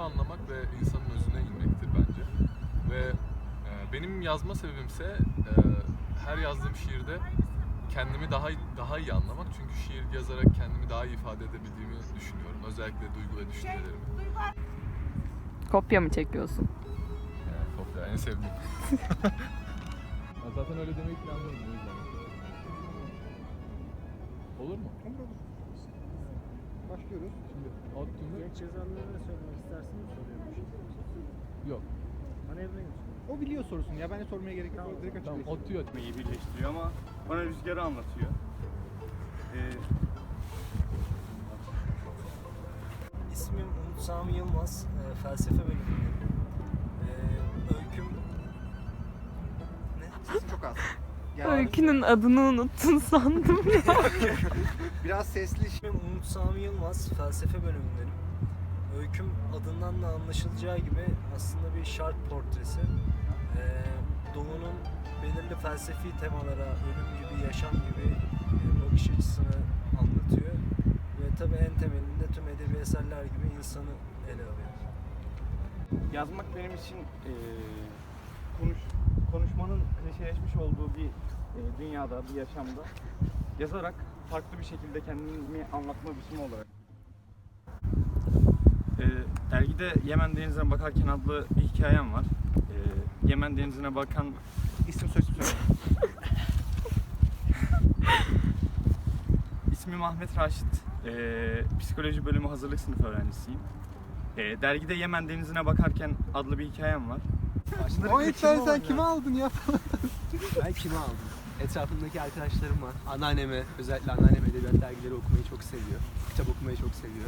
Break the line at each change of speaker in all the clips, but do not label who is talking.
anlamak ve insanın özüne inmektir bence. Ve benim yazma sebebimse her yazdığım şiirde kendimi daha iyi anlamak. Çünkü şiir yazarak kendimi daha iyi ifade edebildiğimi düşünüyorum. Özellikle duygu ve düşüncelerimi.
Kopya mı çekiyorsun?
Kopya en sevdiğim. Zaten öyle demeyi planlıyordum o yüzden. Olur mu?
Olur. Başlıyoruz.
Şimdi ODTÜ'nde...
Genç yazarlara söylemek isterseniz soruyormuş.
Yok.
Manevrayı mı?
O biliyor sorusunu ya, ben de sormaya gerek yok. Direkt açık
Tamam,
geçiyorum.
ODTÜ'yü
Meyi birleştiriyor ama bana rüzgarı anlatıyor.
İsmim Umut Sami Yılmaz. Felsefe bölümündeyim. Öyküm... Ne?
Sesin çok az.
Öykünün adını unuttun sandım ya.
Biraz sesli.
İsmim Umut Sami Yılmaz. Felsefe bölümündenim. Öyküm adından da anlaşılacağı gibi aslında bir şark portresi. Doğu'nun belirli felsefi temalara, ölüm gibi, yaşam gibi bakış açısını anlatıyor. Ve tabii en temelinde tüm edebi eserler gibi insanı ele alıyor.
Yazmak benim için konuşmanın klişeleşmiş olduğu bir dünyada, bir yaşamda yazarak farklı bir şekilde kendimi anlatma biçimi olarak. Dergide Yemen Denizi'ne bakarken adlı bir hikayem var. Yemen Denizi'ne bakan
İsim soyisim söyle.
İsmim Ahmet Raşit. Psikoloji bölümü hazırlık sınıfı öğrencisiyim. Dergide Yemen Denizi'ne bakarken adlı bir hikayem var.
O sen kime aldın ya?
Ben kime aldım? Etrafımdaki arkadaşlarım var. Anneanneme, özellikle anneannem edebiyat dergileri okumayı çok seviyor. Kitap okumayı çok seviyor.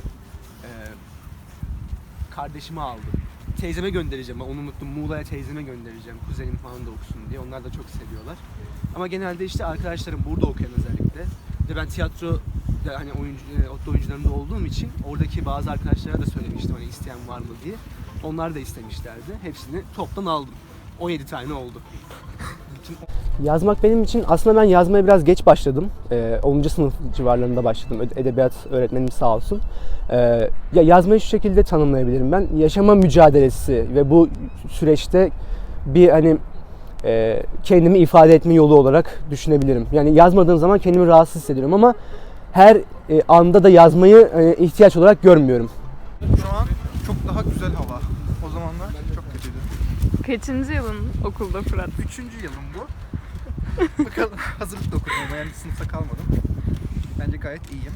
Kardeşime aldım. Teyzeme göndereceğim. Onu unuttum. Muğla'ya teyzeme göndereceğim. Kuzenim falan da okusun diye. Onlar da çok seviyorlar. Ama genelde işte arkadaşlarım burada okuyan özellikle. Ve ben tiyatro hani ODTÜ oyuncularında olduğum için oradaki bazı arkadaşlara da söylemiştim hani isteyen var mı diye. Onlar da istemişlerdi. Hepsini toptan aldım. 17 tane oldu. Yazmak benim için aslında ben yazmaya biraz geç başladım. 10. sınıf civarlarında başladım. Edebiyat öğretmenim sağ olsun. Ya yazmayı şu şekilde tanımlayabilirim ben. Yaşama mücadelesi ve bu süreçte bir hani kendimi ifade etme yolu olarak düşünebilirim. Yani yazmadığım zaman kendimi rahatsız hissediyorum ama her anda da yazmayı ihtiyaç olarak görmüyorum.
Şu an çok daha güzel hava. O zamanlar çok kötüydü.
Kaçıncı yılın okulda Fırat?
3. yılım bu. Bakalım, hazırlıkta okudum ama yani sınıfta kalmadım. Bence gayet iyiyim.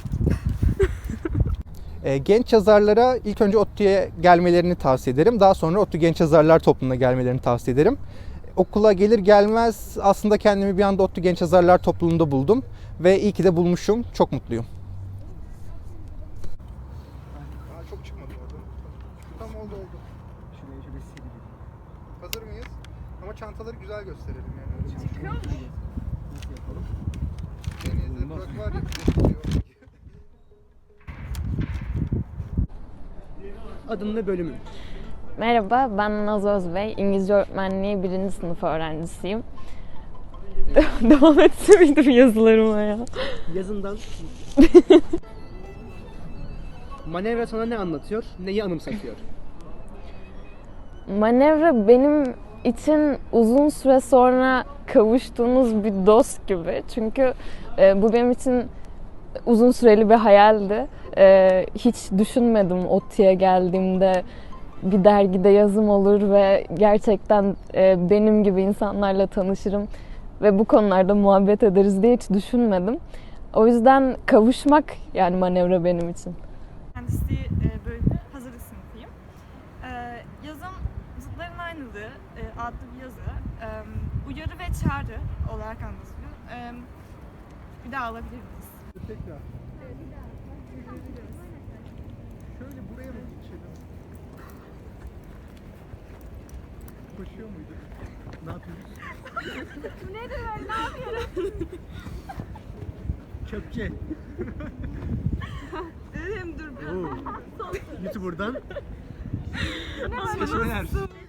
Genç yazarlara ilk önce ODTÜ'ye gelmelerini tavsiye ederim. Daha sonra ODTÜ Genç Yazarlar Topluluğu'na gelmelerini tavsiye ederim. Okula gelir gelmez aslında kendimi bir anda ODTÜ Genç Yazarlar Topluluğu'nda buldum. Ve iyi ki de bulmuşum. Çok mutluyum. Çok çıkmadı orada. Tam oldu. Şuraya şöyle sileyim. Hazır mıyız? Ama çantaları güzel gösterelim yani. Çıkıyor mu? Nasıl yapalım? Denizde Burak var ya.
Adın ve bölümün.
Merhaba, ben Naz Özbey. İngilizce öğretmenliği 1. sınıf öğrencisiyim. Devam etse miydim yazılarıma ya?
Yazından. Manevra sana ne anlatıyor? Neyi anımsatıyor?
Manevra benim için uzun süre sonra kavuştuğunuz bir dost gibi. Çünkü bu benim için uzun süreli bir hayaldi. Hiç düşünmedim ODTÜ'ye geldiğimde bir dergide yazım olur ve gerçekten benim gibi insanlarla tanışırım ve bu konularda muhabbet ederiz diye hiç düşünmedim. O yüzden kavuşmak yani Manevra benim için.
Mühendisliği bölümü hazırlık sınıfıyım. Yazım zıtların aynılığı adlı bir yazı. Uyarı ve çağrı olarak anlatılıyor. Bir daha alabilir miyiz?
Tekrar. Şöyle buraya mı geçelim? Koşuyor muyduk? Ne yapıyoruz?
Nedir ben? Ne yapıyorum?
Çöpçe.
Dedim dur biraz.
YouTuber'dan.
Ne var?
Seçmeler.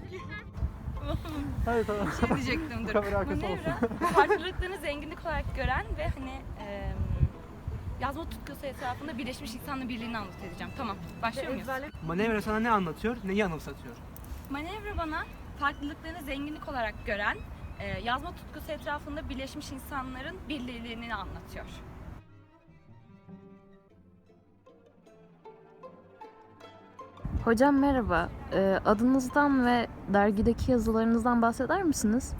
Hayır tamam.
Şey diyecektim dur.
Kamera arkası olsun.
Farklılıklarını zenginlik olarak gören ve hani yazma tutkusu etrafında birleşmiş insanla birliğini anlat edeceğim. Tamam, başlıyor muyuz?
Manevra sana ne anlatıyor, neyi anımsatıyor?
Manevra bana farklılıklarını zenginlik olarak gören, yazma tutkusu etrafında birleşmiş insanların birliğini anlatıyor.
Hocam merhaba. Adınızdan ve dergideki yazılarınızdan bahseder misiniz?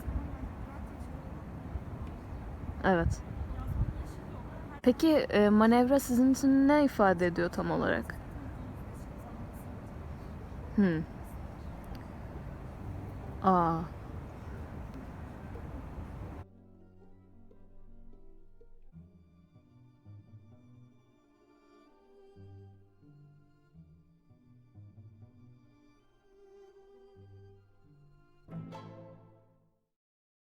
Evet. Peki manevra sizin için ne ifade ediyor tam olarak? Aa,